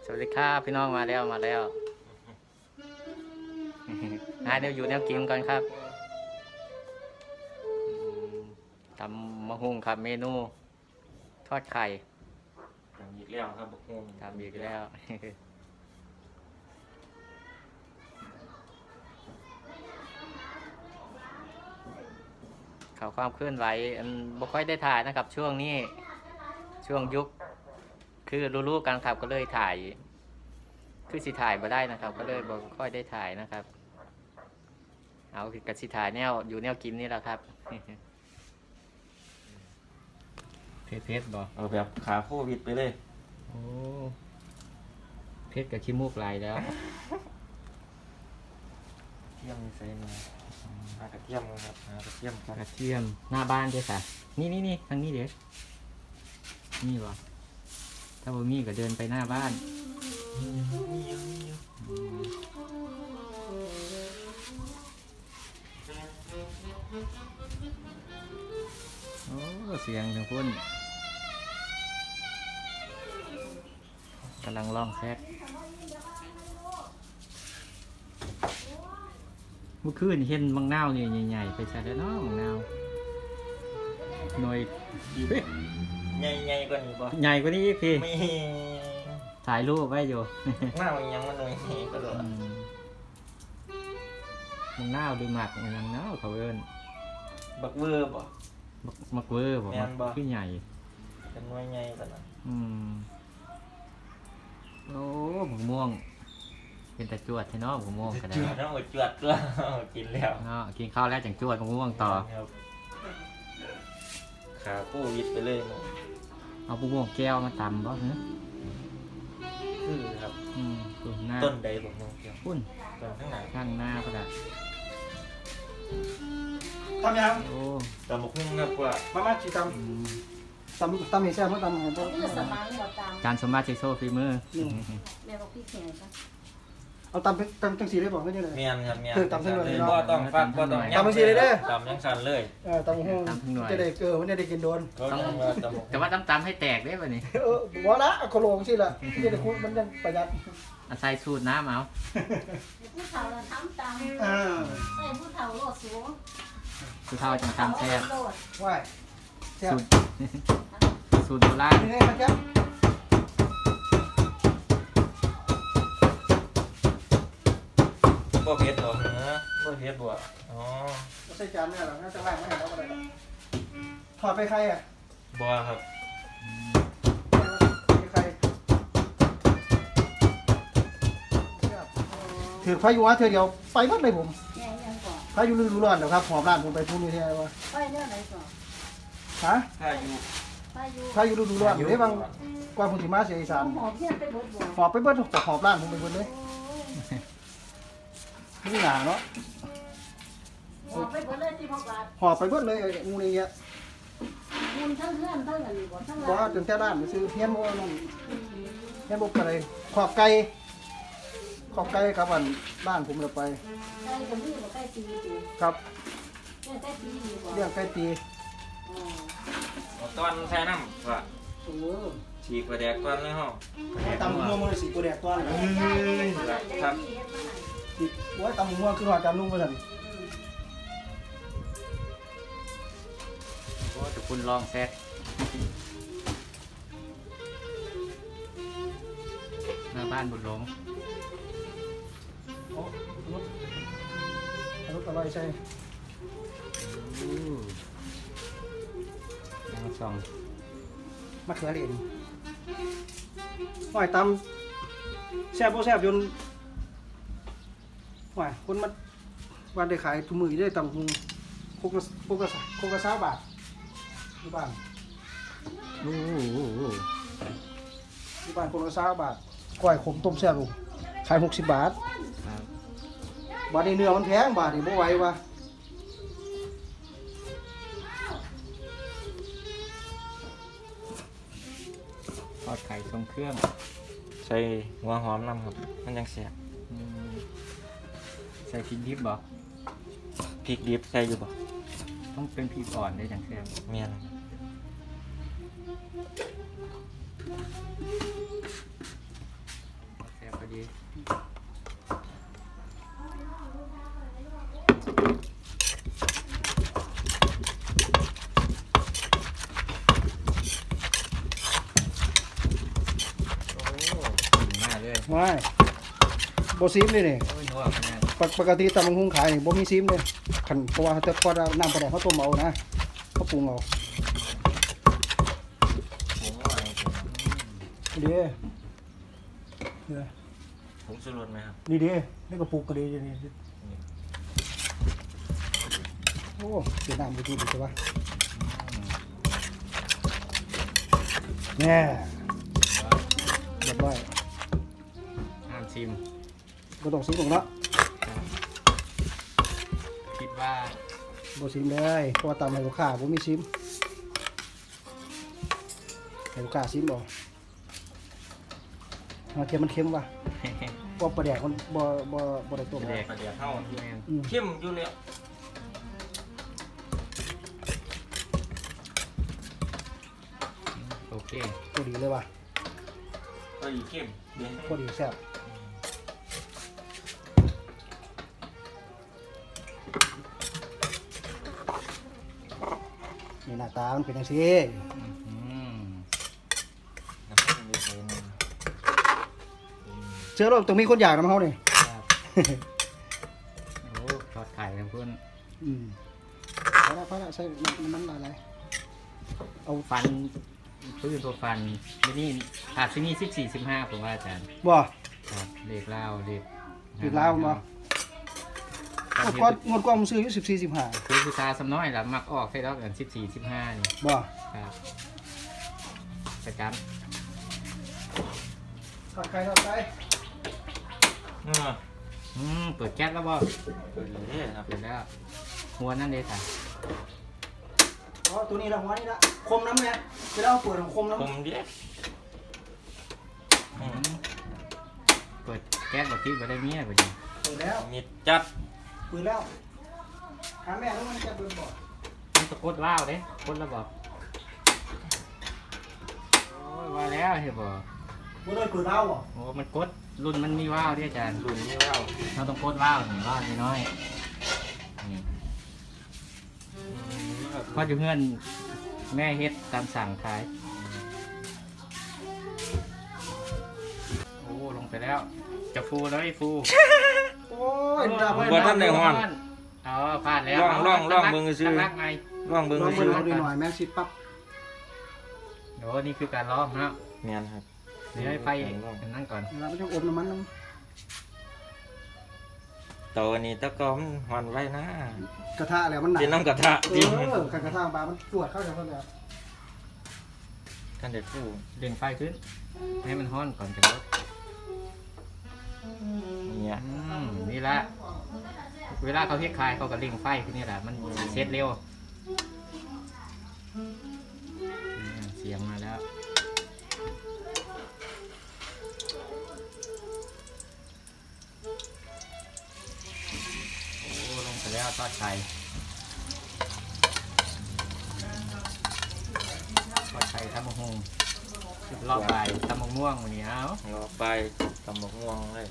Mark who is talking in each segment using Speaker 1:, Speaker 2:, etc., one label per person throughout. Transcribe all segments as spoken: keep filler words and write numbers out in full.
Speaker 1: สวัสดีครับพี่น้องมาแล้วมาแล้วหาเดี๋ยวอยู่แนวกินก่อนครับทำมะฮุ่งครับเมนูทอดไข่
Speaker 2: ทำอีกแล้วครับบกฮวง
Speaker 1: ทำอีกแล้วข่าวความเคลื่อนไหวอันบ่ค่อยได้ถ่ายนะครับ ช่วงนี้ช่วงยุคคือรู้ๆกันครับก็เลยถ่ายคือสิถ่ายมาได้นะครับ ก็เลยบ่ค่อยได้ถ่ายนะครับเอากับสิถ่ายแนวอยู่แนวกินนี่แหละครับเพชรเพชรบ่
Speaker 2: เอาแบบขาโควิดไปเลย
Speaker 1: โอ้เพชรกับขี้มูกลายแล้ว
Speaker 2: เทียมใส่มาหากระเทียมครับหากระเทียมครับ
Speaker 1: กระเทียมหน้าบ้านด้วยค่ะนี่นี่นี่ทางนี้เด็กนี่บ่ถ้าบ่มีก็เดินไปหน้าบ้านโอ้เสียงถึงพุ่นกำลังร้องแซกเมื่อคืนเห็นมังนาวนี่ใหญ่ๆไปใส่แล้วเนาะมังนาวหน่วย
Speaker 2: ใหญ่ใหญ่กว่านี้ป่ะ
Speaker 1: ใหญ่กว่านี้อีกพี่
Speaker 2: ไม่
Speaker 1: ถ่ายรูปไว้อยู่
Speaker 2: หน้ามันยังมันหน่อยก็เลย
Speaker 1: มังนาวดูหมักมังนาวเขาเอิ้น
Speaker 2: บักเวอร์ป่ะ
Speaker 1: มักมักเวอร์บ่มักขึ้นใหญ่
Speaker 2: เป็นหน่วยใหญ่กว่านั้น
Speaker 1: อืมโอ้หมูม่วงเป็นแต่จวดใช่เนาะหมูม่วงก็ได้
Speaker 2: จวดต้องจวดก็กินแล้ว
Speaker 1: เนาะกินข้าวแล้วจังจวดหมูม่วงต่อ
Speaker 2: ขาโควิดไปเลย
Speaker 1: เอาหมูม่วงแก้วมาตำบ่ฮะ
Speaker 2: คือครับ
Speaker 1: อืม
Speaker 2: ต้นใดผมมองเกี่ยว
Speaker 1: พุ่น
Speaker 2: ต้นข้างหน้า
Speaker 1: ข้างหน้าก็ได้
Speaker 3: ทำยัง
Speaker 1: โอ้
Speaker 2: ตำบกหุ่งครับว่า
Speaker 3: มามาจีตำตำตำให้แซ่บมาตำให้พวก
Speaker 1: จานสมบัติเชโซฟีมือ
Speaker 4: แม่บอกพี่แข็งปะ
Speaker 3: เอาตำตำจังสีได้บอกไม่ได้เลย
Speaker 2: เมียนครับเมียน
Speaker 3: คือตำทั้งหน่วย
Speaker 2: ก็ต้องฟักก็ต้อง
Speaker 3: ตำจังสีเลยเด้อ
Speaker 2: ตำยังสันเลย
Speaker 3: เออตำห้องจะได้เออมันได้กินโดน
Speaker 1: แต่ว่าตำๆให้แตกได้ป่ะนี่
Speaker 3: เออบอกละเอาโคโลงสิล่ะที่จะคุยมันยังประหยัด
Speaker 1: อาศัยสูตรน้ำเอา
Speaker 4: ผู้เฒ่าเราทำตามใส่ผู้เฒ่าโลดสูง
Speaker 1: สูตรเท่าจังตำแซ่บ
Speaker 3: ว่ายแซ่บ
Speaker 1: สูตรโบราณ
Speaker 3: นี่ไงครับแซ่บ
Speaker 2: บ่เผ็ดหรอเนื้อบ่เผ็ดบ่อ๋อ
Speaker 3: ไม่ใช่จานเนี่ยหรอน่าจะว่างไม่เห็นแล้วอะไรถอดไปใครอ่ะ
Speaker 2: บ่ครับ
Speaker 3: ใครถือพายุวะเธอเดียวไปวัดเลยผมพายุฤดูร้อนเดี๋ยวครับหอบร้านผมไปพูดนี่ที่ไหนวะ
Speaker 4: ไปเรื่องไหนก่อน
Speaker 3: ฮะ
Speaker 2: พายุ
Speaker 3: พายุฤดูร้อนเดี๋ยวบางกว่าผมสิมาเสียอีสาน
Speaker 4: หอบเพี้ยนไปเบิดบ่
Speaker 3: หอบไปเบิดหอบร้านผมไปเบิดเลยนี่หนาเนาะ
Speaker 4: หอบไปเบิดเลยที่พ่อบาท
Speaker 3: หอบไปเบิดเลยงูนี่เงี้ย
Speaker 4: มุนทั้งเพื่อนทั้งอันนี้บ่ทั้ง
Speaker 3: ร้านจนแค่ร้านไปซื้อเฮี้ยนโม่นั่นเฮี้ยนโม่ไปเลยขอบไก่ขอบไก่ครับวันบ้านผมเราไป
Speaker 4: ไก่กับนี่บ่ไก่ตีตี
Speaker 3: ครับ
Speaker 4: เรื่องไก่ตีบ่
Speaker 3: เรื่องไก่ตี
Speaker 2: อ๋อตอนใส่น้ำว่า
Speaker 3: โอ้
Speaker 2: ฉีกกระแดกก่อนเลยเฮา
Speaker 3: ตำหัวมันสีกูแดกต้อน
Speaker 2: ครับ
Speaker 3: ว่าตำหัวคือว่าตำนุ่มไปสั่น
Speaker 1: โอ้แต่คุณลองแซกหน้าบ้านบุญหลง
Speaker 3: โอ้รถรถอร่อยใช่
Speaker 1: มาส่อง
Speaker 3: มะเขือเหรียญหอยตำแซ่บโบแซ่บจนหอยคนมาวันได้ขายถุงมือได้ตำหุงโคกโคกระโคกระซ่าบาทที่บ้าน
Speaker 1: โอ้
Speaker 3: ที่บ้านโคกระซ่าบาทก้อยขมต้มแซ่บลูกขายหกสิบบาทบาทในเนื้อมันแพงบาทนี่บ่ไหววะ
Speaker 1: ทอดไข่ทรงเครื่อง
Speaker 2: ใส่หัวหอมน้ำครับมันยังแซ่บ
Speaker 1: ใส่พริกดิบบ่
Speaker 2: พริกดิบใส่อยู่บ่
Speaker 1: ต้องเป็นพริกอ่อนได้จังแซ่บ
Speaker 2: เมียน
Speaker 1: อ
Speaker 3: ไม่บ่ซิมเลยนี่
Speaker 1: โอ้ยนัวขนาด
Speaker 3: ปกปกติตำบักหุ่งขายนี่บ่มีซิมเลยคันเพราะว่าแต่พอน้ำปลาแดกเขาต้มเอานะเขาปรุงเอา
Speaker 2: ผมว่าอะไรกัน
Speaker 3: เด้เนี่ย
Speaker 2: ผมสรุปไหมครับ
Speaker 3: นี่เด้นี่กระปุกก็ดีอยู่นี่โอ้เสียน้ำไปทีดีใช่ปะแน่เรียบร้อย
Speaker 1: ห้ามชิม
Speaker 3: บ่ต้องซิมหรอกเนาะ
Speaker 1: คิดว่า
Speaker 3: บ่ซิมเลยเพราะว่าตำให้ลูกค้าบ่มีซิมให้ลูกค้าซิมบ่เอาเทียมมันเค็มว่ะเพราะปลาแดกมันบ่บ่บ่ได้ต้ม
Speaker 1: แดก
Speaker 2: ประเดี๋ยวเท่า
Speaker 1: แม่น
Speaker 3: อืม
Speaker 2: เข้มอยู่แล้ว
Speaker 1: โอเค
Speaker 3: พอดีเลยว่ะ
Speaker 2: ก็อีเข้มเดี๋ยว
Speaker 3: พอดีแซ่บนี่หน้าตามันเป็นจังซี่
Speaker 1: อืม
Speaker 2: น้ำมันมีใส่หนึ่ง
Speaker 3: เชื่อโลกต้องมีคนอยากนำเฮานี่
Speaker 1: ครับโอ้ทอดไข่ทั้งคุณ
Speaker 3: อืมพอละพอละใส่น้ำมันหลายๆเอา
Speaker 1: ฟันพื้นตัวฟันไม่นี่อาจจะมีสิบสี่สิบห้าผมว่าอาจารย์
Speaker 3: บ่
Speaker 1: ครับเลขเล่าเลข
Speaker 3: เลขลาวบ่
Speaker 1: ครั
Speaker 3: งดก่อนงดก่อนผมซื้ออยู่สิบสี่สิบห้า
Speaker 1: คือคือตาสำน้อยแล้วมักออกให้ดอกกันสิบสี่สิบห้านี่
Speaker 3: บ่
Speaker 1: ครับประจ
Speaker 3: ทอดไก่ทอดไก่
Speaker 2: เออ
Speaker 1: ำอืมเปิดแก๊สแล้วบ่
Speaker 2: เปิดเลยครับ
Speaker 1: เปิดแล้วหัวนั่นเลยค่ะ
Speaker 3: อ๋อตัวนี้ละหัวนี่ละคมน้ำเนี่ยจะได้เอาเปิดของคมน้ำ
Speaker 2: ผมเดียว
Speaker 1: อืมเปิดแก๊สบอกที่บ่ได้เมียบ่ดี
Speaker 3: เปิดแล้ว
Speaker 2: มีจัด
Speaker 3: เปิดแล้วถามแม่แล้วมันจะเปิดบ่
Speaker 1: มันจะกดว้าวเด้กดแล้วบอกโอ้ยว่าแล้วเห็นบ่
Speaker 3: บ่ได้เปิดแล้วบ่
Speaker 1: โอ้มันกดรุ่นมันมีว้าวเด้อาจารย์
Speaker 2: รุ่นนี้ว่า
Speaker 1: เราต้องกดว้าวหนึ่งว้าวน้อยๆนี่พออยู่เพื่อนแม่เฮ็ดตามสั่งขายโอ้ลงไปแล้วจะฟูเลยฟู
Speaker 3: โอ้ยดาบ
Speaker 2: บ่ท่านได้ฮ้อน
Speaker 1: เอาพลาดแล้ว
Speaker 2: ลองลองลองเบิ่งซื่อ
Speaker 1: รักไง
Speaker 2: ลองเบิ่ง
Speaker 3: ลอง
Speaker 2: ซื้
Speaker 3: เบิ่ง
Speaker 2: อ
Speaker 3: เอาดูหน่อยแม่งสิปั๊บ
Speaker 1: โอ้นี่คือการล้อมนะ
Speaker 2: เมียนครับ
Speaker 1: เดี๋ยวให้ไฟนั่นก่อน
Speaker 3: เวลามันจะอบน้ำมันน้
Speaker 2: ตัวนี้ตะกอมหอนไว้นะ
Speaker 3: ำกระทะแล้วมันหนัก
Speaker 2: เป็นน้ำกระทะ
Speaker 3: เอ
Speaker 2: ดิ
Speaker 3: อการกระทะปลามันตรวจเข้าจากเพิ่นแล้ว
Speaker 2: กันเด็ดผู้
Speaker 1: เร่งไฟขึ้น ให้มันห้อนก่อนจะลด
Speaker 2: เนี่ย
Speaker 1: อืมนี่ละเวลาเขาเฮ็ดคายเขาก็เร่งไฟขึ้นนี่แหละมันเซ็ตเร็วอืมเสียงมาแล้วโอ้ลงไปแล้วทอดไข่ทอดไข่ทำมะฮงรอบใบทำมะม่วงวันนี้เอา
Speaker 2: รอไปตำหมกม่วงเลย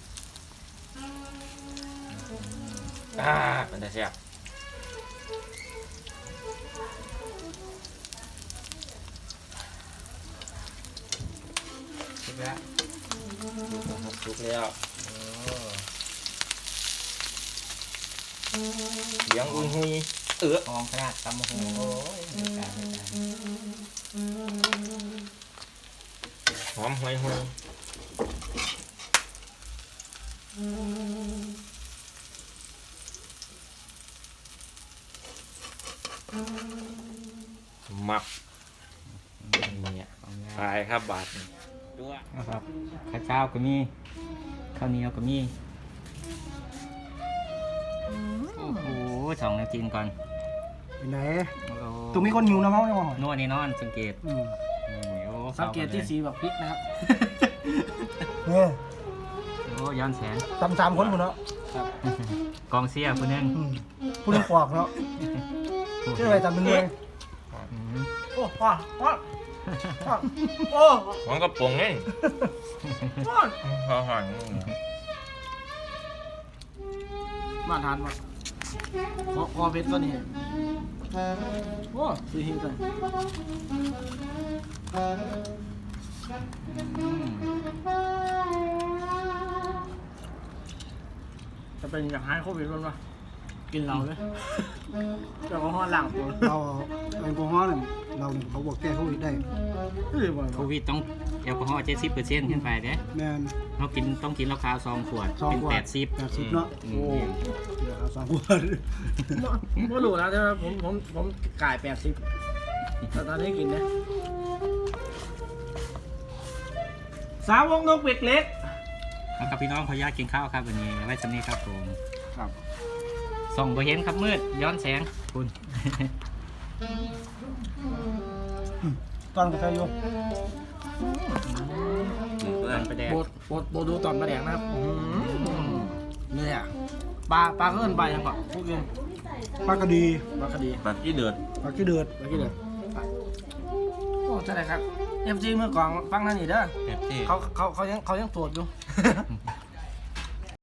Speaker 2: อ่ามันจะแซ่บ
Speaker 1: ถูกแล้ว
Speaker 2: ครับทุกแล้ว
Speaker 1: โอ้
Speaker 2: เลี้ยงอุ้ยหุยเออ
Speaker 1: หอมขนาดตำมะฮงโอ้ยไม่กล้าไม่กล้า
Speaker 2: หอมหุยหุยหมักเนี่ย
Speaker 1: หอมแล้ว
Speaker 2: ตายครับบาทนี่ด้วย
Speaker 1: นะครับข้าวเจ้าก็มีข้าวเหนียวก็มีโอ้โหสองนาทีก่อน
Speaker 3: เป็นไหน
Speaker 1: โอ้โห
Speaker 3: ตรงมีคนหิวน้ำเฮาเนี่ยบ่
Speaker 1: นวดนี่นอนสังเกต
Speaker 3: อืม
Speaker 1: นี่โอ้
Speaker 3: สังเกตที่
Speaker 1: ข้า
Speaker 3: สีแบบพริกนะครับเนี่ย
Speaker 1: โอ้ย้อนแสน
Speaker 3: ตำสามคนหมดเนาะ
Speaker 1: กองเสียคนนึง
Speaker 3: อืมผู้นึงปอกเนาะชื่ออะไรตำเป็นเลย
Speaker 1: อืม
Speaker 3: โอ้ว้าว้าว้าโอ้
Speaker 2: หอมกระป๋องนี่
Speaker 3: ว้า
Speaker 2: หอมหอม
Speaker 3: มาทานมาคอคอเบ็ดตัวนี้โอ้สีหิ้งเลย
Speaker 1: อืม
Speaker 5: จะเป็นอยากหายโควิดมั้งวะกินเหล้าเลยแอลกอฮอล์ล้างตัว
Speaker 3: เราแอลกอฮอล์เนี่ยเราเนี่ยเขาบอกแก้โควิดได้
Speaker 5: เฮ้ยบ่
Speaker 1: โควิดต้องแอลกอฮอล์เจ็ดสิบเปอร์เซ็นต์ขึ้นไปเด้
Speaker 3: แมน
Speaker 1: เรากินต้องกินเหล้าขาวสองขวด
Speaker 3: สอง
Speaker 1: เป็น
Speaker 3: ขวด
Speaker 1: แปดสิบ
Speaker 3: แปดสิบเนาะ
Speaker 1: อื
Speaker 5: โอ้
Speaker 1: ม
Speaker 3: เดี๋ยวเอาสองขวด
Speaker 5: ไม่รู้นะแต่ว่าผมผมผมกายแปดสิบแต่ตอนนี้กินนะสาวงนกเป็ดเล็ก
Speaker 1: แล้วกับพี่น้องขออนุญาตกินข้าวครับวันนี้ไว้สำนี้ครับผม
Speaker 5: ครับ
Speaker 1: ส่องไปเห็นครับมืดย้อนแสงคุณ
Speaker 3: ตอนกาแฟอยู่
Speaker 1: เพื่อนไปแดง
Speaker 5: โบดโบดโบดดูตอนมาแดงนะครับเนี่ยปลาปลาเกินไปยังก่อนพูดเกิน
Speaker 3: ปลากระดี
Speaker 5: ปลาคดี
Speaker 2: แบบที่เดือด
Speaker 3: ปลาขี้เดือด
Speaker 5: ปลากี่เดือนโอ้ใช่เลยครับเอฟซีเมื่อก่อนฟังนั่นนี่เด้อ
Speaker 2: แบบที่
Speaker 5: เขาเขาเขายังเขายังโสดอยู่